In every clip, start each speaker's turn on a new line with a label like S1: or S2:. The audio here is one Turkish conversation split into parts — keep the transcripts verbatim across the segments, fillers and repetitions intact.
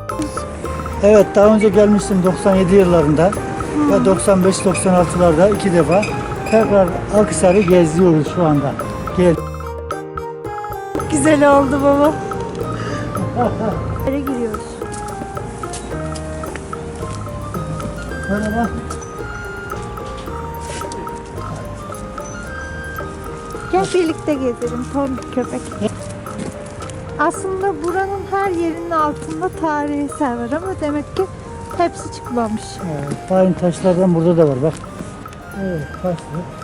S1: Evet, daha önce gelmiştim doksan yedi yıllarında hmm. ve doksan beş doksan altılarda iki defa. Tekrar Akhisar'ı geziyoruz şu anda. Gel.
S2: Güzel oldu baba. Nereye giriyoruz?
S1: Merhaba.
S2: Gel birlikte gezelim tombik köpek. Aslında buranın her yerinin altında tarihi eser var ama demek ki hepsi çıkmamış.
S1: Evet, aynı taşlardan burada da var bak. Evet, taşlı.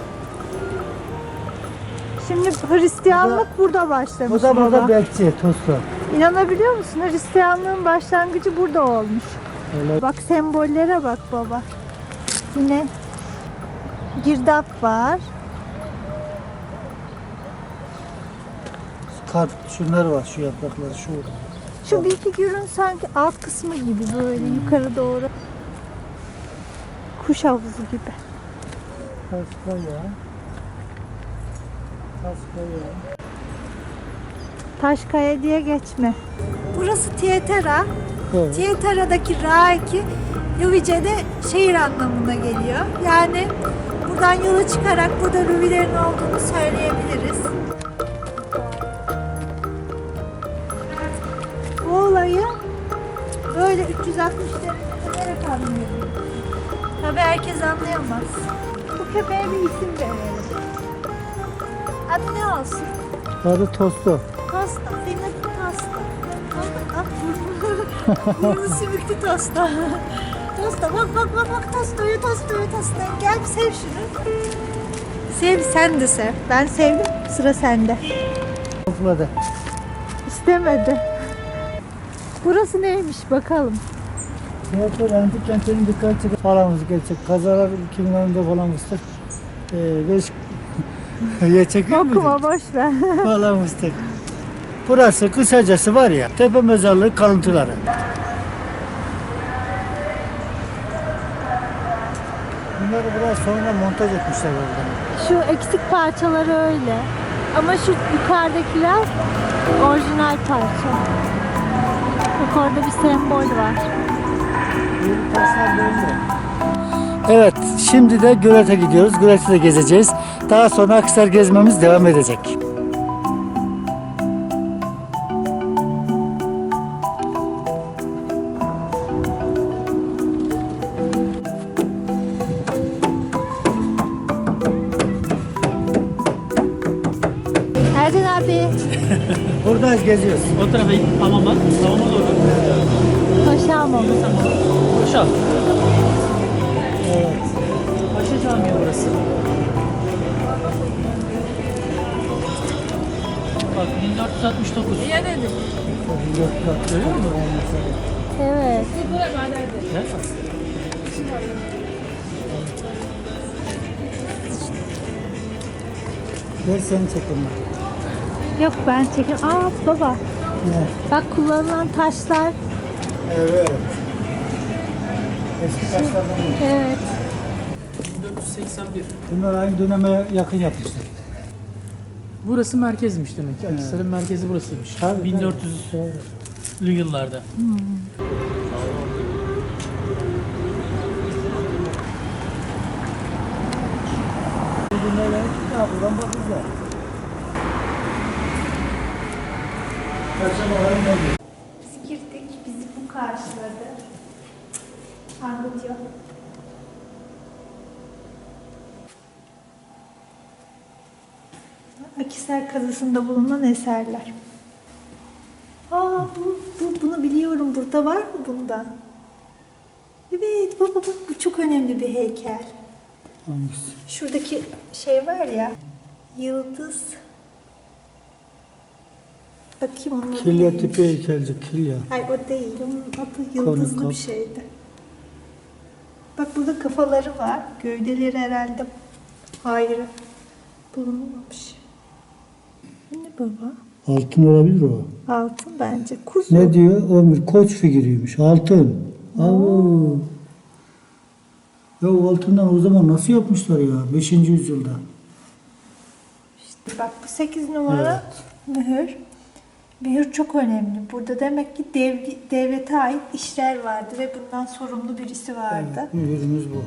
S2: Şimdi Hristiyanlık burada, burada başlamış.
S1: Bu da burada
S2: baba.
S1: bekçi, Toslu.
S2: İnanabiliyor musun? Hristiyanlığın başlangıcı burada olmuş.
S1: Öyle.
S2: Bak sembollere bak baba. Yine girdap var.
S1: Kart, şunlar var, şu yaprakları, şu.
S2: Şu bilgi gürün sanki alt kısmı gibi böyle yukarı doğru. Kuş havuzu gibi.
S1: Taşkaya. Taşkaya.
S2: Taşkaya diye geçme. Burası Tietera.
S1: Evet.
S2: Tietera'daki Raiki Luvice'de şehir anlamına geliyor. Yani buradan yola çıkarak burada Luvilerin olduğunu söyleyebiliriz. Bu olayı böyle üç yüz altmış derece anlıyorum. Tabii herkes anlayamaz. Bu köpeğe bir isim verelim. Adı ne olsun?
S1: Adı Tostu.
S2: Tosta. Senin adın Tosta. Ah burnu. Burnu sümüklü Tosta. Tosta bak bak bak bak Tosta'yı Tosta'yı Tosta. Gel bir sev şunu. Sev sen de sev. Ben sevdim. Sıra sende.
S1: Topladı.
S2: İstemedi. Burası neymiş bakalım.
S1: Tiyatro antik kentinin dikkat çeken falanımız gerçek. Kazalar iki bin onunda falanmıştır. Ee, beş ya çekiyor muydun?
S2: Okuma boş ver.
S1: Falanmıştır. Burası kısacası var ya, tepe mezarlığı kalıntıları. Bunları biraz sonra montaj etmişler orada.
S2: Şu eksik parçaları öyle. Ama şu yukarıdakiler orijinal parça. Bak orada bir sembol var.
S1: Evet, şimdi de Gölet'e gidiyoruz. Gölet'i de gezeceğiz. Daha sonra Akhisar gezmemiz devam edecek.
S2: Erdin abi.
S1: Buradayız, geziyoruz.
S3: O tarafa git, hamama, hamama doğru.
S2: Paşa hamamı.
S3: Paşa.
S1: Evet.
S3: Paşa Camii burası. Bak bin dört yüz altmış dokuz. Ya dedim. Görüyor musun?
S2: Evet.
S3: Ne?
S1: Ver seni çekelim.
S2: Yok ben çekim. Aa baba.
S1: Ne?
S2: Bak kullanılan taşlar.
S1: Evet. Eski taşlardan mı?
S2: Evet.
S3: bin dört yüz seksen bir.
S1: Bunlar aynı döneme yakın yapmışlar.
S3: Burası merkezmiş demek ki. Akhisar'ın merkezi burasıymış.
S1: Tabii,
S3: bin dört yüzlü yıllarda.
S2: Hmm.
S1: Buradan bakacağız.
S2: Biz girdik. Bizi bu karşıladı. Anlatıyor. Akhisar kazısında bulunan eserler. Aa bu, bu bunu biliyorum. Burada var mı bundan? Evet baba bak bu çok önemli bir heykel.
S1: Hangisi?
S2: Şuradaki şey var ya. Yıldız. Bakayım onun adı
S1: Kilya
S2: neymiş?
S1: tipi heykelci, kilya.
S2: Hayır o değil. Onun adı yıldızlı
S1: Konu,
S2: bir şeydi. Bak burada kafaları var. Gövdeleri herhalde ayrı bulunmamış. Bu ne baba?
S1: Altın olabilir o.
S2: Altın bence. Kuzu.
S1: Ne diyor? O bir koç figürüymüş. Altın. Oo. Ya o altından o zaman nasıl yapmışlar ya? beşinci yüzyılda.
S2: İşte bak bu sekiz numara mühür. Mühür çok önemli. Burada demek ki dev, devlete ait işler vardı ve bundan sorumlu birisi vardı.
S1: Evet, mühürümüz bu.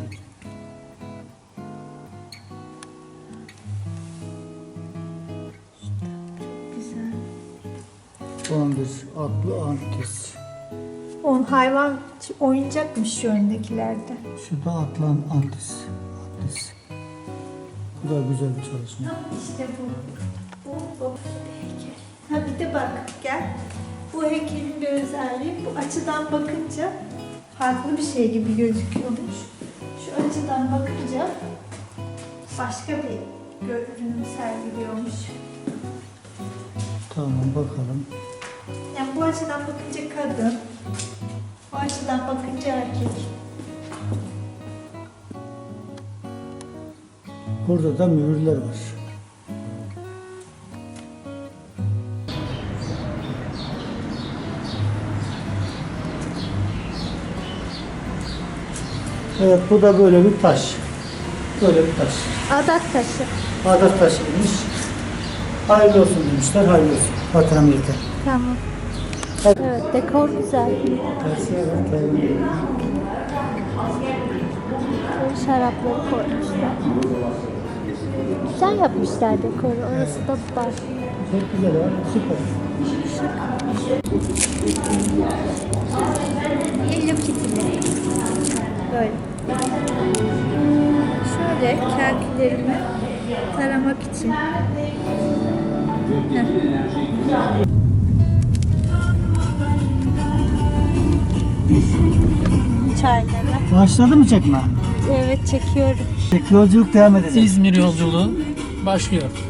S2: Güzel.
S1: on bir atlı antis.
S2: On hayvan oyuncakmış şu öndekilerde.
S1: Şurada atlan antis. Antis. Bu da güzel bir çalışma.
S2: İşte bu. Bu, bu heykel. Ha bir de bak gel. Bu heykelin bir özelliği bu açıdan bakınca farklı bir şey gibi gözüküyormuş. Şu açıdan bakınca başka bir görünüm sergiliyormuş.
S1: Tamam bakalım.
S2: Yani bu açıdan bakınca kadın, bu açıdan bakınca erkek.
S1: Burada da mühürler var. Evet, bu da böyle bir taş. Böyle bir taş.
S2: Adak taşı.
S1: Adat taşıymış. Hayırlı olsun demişler, hayırlı olsun. Vatan millete.
S2: Tamam.
S1: Evet.
S2: Evet, dekor güzel.
S1: Tersiye bak, hayırlı.
S2: Böyle şarapları koymuşlar. Güzel yapmışlar dekoru. Orası da var.
S1: Çok güzel var, süper.
S2: Hello Kitty'leri. Böyle. Şöyle kelkilerimi taramak için. Heh. Çayları.
S1: Başladı mı çekme?
S2: Evet çekiyorum.
S1: Yolculuk devam edecek.
S3: İzmir yolculuğu başlıyor.